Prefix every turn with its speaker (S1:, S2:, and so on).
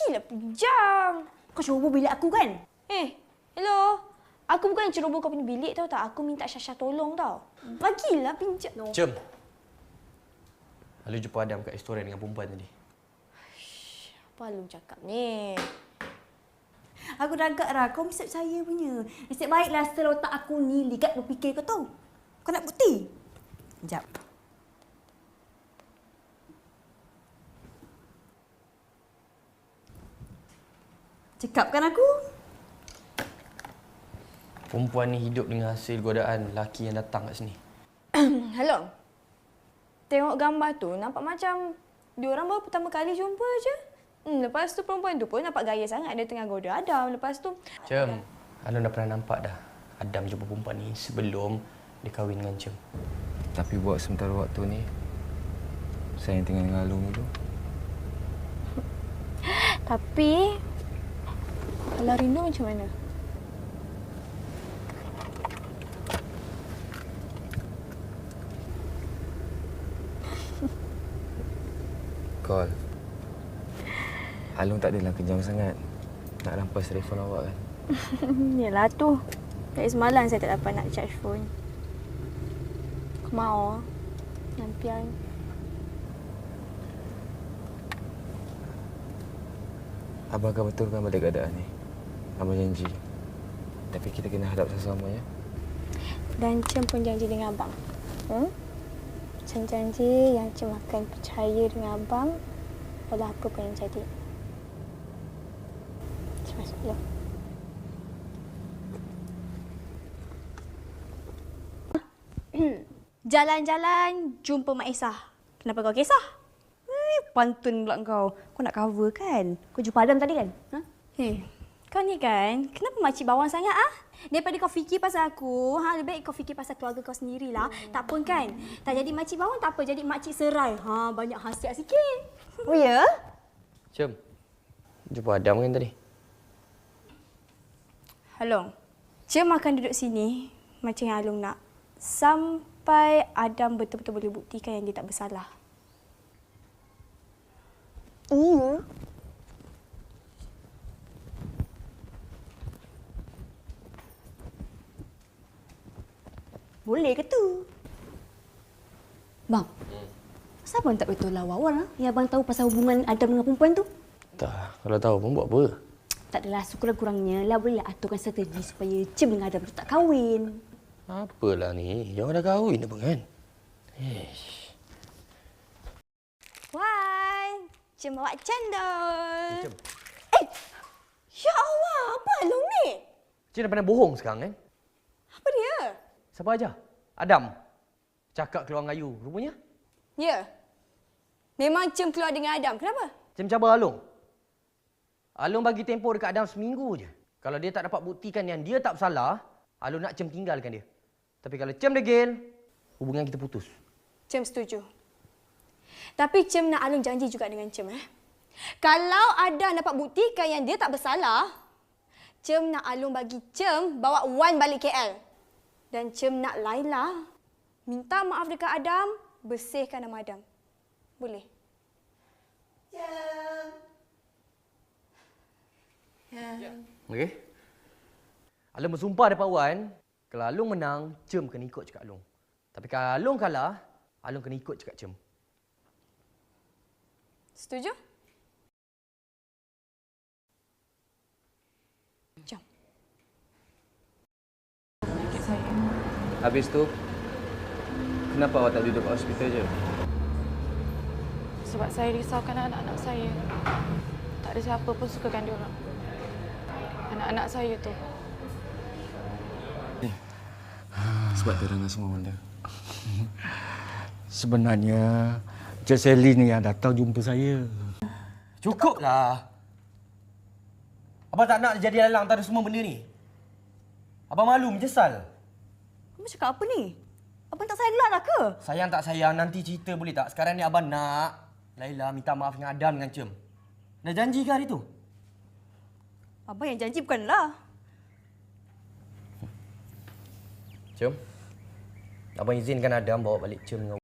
S1: Bagilah pinjam.
S2: Kau ceroboh bilik aku kan?
S1: Hello. Aku bukan yang ceroboh kau punya bilik tau tak. Aku minta Syasha tolong tau. Bagilah pinjam. No.
S3: Cem. Lalu jumpa Adam kat restoran dengan perempuan tadi.
S1: Apa lu cakap ni?
S2: Aku dah agak Ra, kau mesti percaya punya. Nasib baiklah setelah otak aku ni ligat berfikir kau tahu. Kau nak bukti? Sekejap. Cakapkan aku.
S3: Perempuan ni hidup dengan hasil godaan lelaki yang datang kat sini.
S1: Hello. Tengok gambar tu nampak macam diorang baru pertama kali jumpa je. Lepas tu perempuan tu pun nampak gaya sangat dia tengah goda Adam. Lepas tu
S3: Cem, Alun dah pernah nampak dah Adam jumpa perempuan ni sebelum dia kahwin dengan Cem.
S4: Tapi buat sementara waktu ni, saya yang tinggal dengan Alung dulu.
S1: tapi kalau rindu macam mana?
S4: Call. Alung tak adalah kejam sangat nak rampas telefon awak kan?
S1: Yelah tu. Dari semalam saya tak dapat nak charge phone. Aku mau nampian.
S4: Abang akan betulkan balik keadaan ni. Abang janji. Tapi kita kena hadap sama-sama ya.
S1: Dan Cem pun janji dengan abang. Cem janji yang Cem akan percaya dengan abang walau apa pun yang jadi. Cem masuk dulu. Jalan-jalan jumpa Mak Isah. Kenapa kau kisah?
S2: Pantun pula kau. Kau nak cover kan? Kau jumpa Adam tadi kan? Ha?
S1: Kau ni kan, kenapa makcik bawang sangat ah? Daripada kau fikir pasal aku, lebih baik kau fikir pasal keluarga kau sendirilah. Tak pun kan? Tak jadi makcik bawang tak apa, jadi makcik serai. Banyak hasiat sikit.
S2: Oh ya?
S3: Cem, jumpa Adam kan tadi?
S1: Halong, Cem akan duduk sini macam yang Halong nak. Sampai Adam betul-betul boleh buktikan yang dia tak bersalah.
S2: Iya. Boleh ke tu? Bang, kenapa abang tak beritahu awal yang abang tahu pasal hubungan Adam dengan perempuan tu?
S3: Tak, kalau tahu pun buat apa?
S2: Tak adalah, sekurang-kurangnya lah boleh aturkan strategi supaya Cem dengan Adam tu tak kahwin.
S3: Apalah ni, yang dah kahwin apa kan?
S1: Why? Cem bawa cendol.
S3: Cem.
S1: Ya Allah, apa Halong ni?
S3: Cem dah pandai bohong sekarang kan?
S1: Apa dia?
S3: Siapa aja? Adam. Cakap keluar dengan Ayu, rupanya.
S1: Ya. Memang Cem keluar dengan Adam. Kenapa?
S3: Cem cabar Alung. Alung bagi tempoh dekat Adam seminggu je. Kalau dia tak dapat buktikan yang dia tak bersalah, Alung nak Cem tinggalkan dia. Tapi kalau Cem degil, hubungan kita putus.
S1: Cem setuju. Tapi Cem nak Alung janji juga dengan Cem. Kalau Adam dapat buktikan yang dia tak bersalah, Cem nak Alung bagi Cem bawa Wan balik KL. Dan Cem nak Laila minta maaf dekat Adam, bersihkan nama Adam. Boleh?
S3: Okey? Alung bersumpah depan Wan, kalau Alung menang, Cem kena ikut cakap Alung. Tapi kalau Alung kalah, Alung kena ikut cakap Cem.
S1: Setuju? Jom.
S4: Habis tu, kenapa awak tak duduk kat hospital je?
S5: Sebab saya risaukan anak-anak saya. Tak ada siapa pun sukakan dia orang. Anak-anak saya tu.
S4: Sebab terangkan semua benda.
S6: Sebenarnya, Cik Sally ni yang datang jumpa saya.
S3: Cukuplah. Abang tak nak jadi lalang antara semua benda ni. Abang malu, menyesal.
S2: Abang cakap apa ni? Abang tak sayang gelak lah ke?
S3: Sayang tak sayang, nanti cerita boleh tak? Sekarang ni abang nak Laila minta maaf dengan Adam dengan Cem. Dah janji ke hari tu?
S2: Abang yang janji bukanlah.
S3: Cem, abang izinkan Adam bawa balik Cem dengan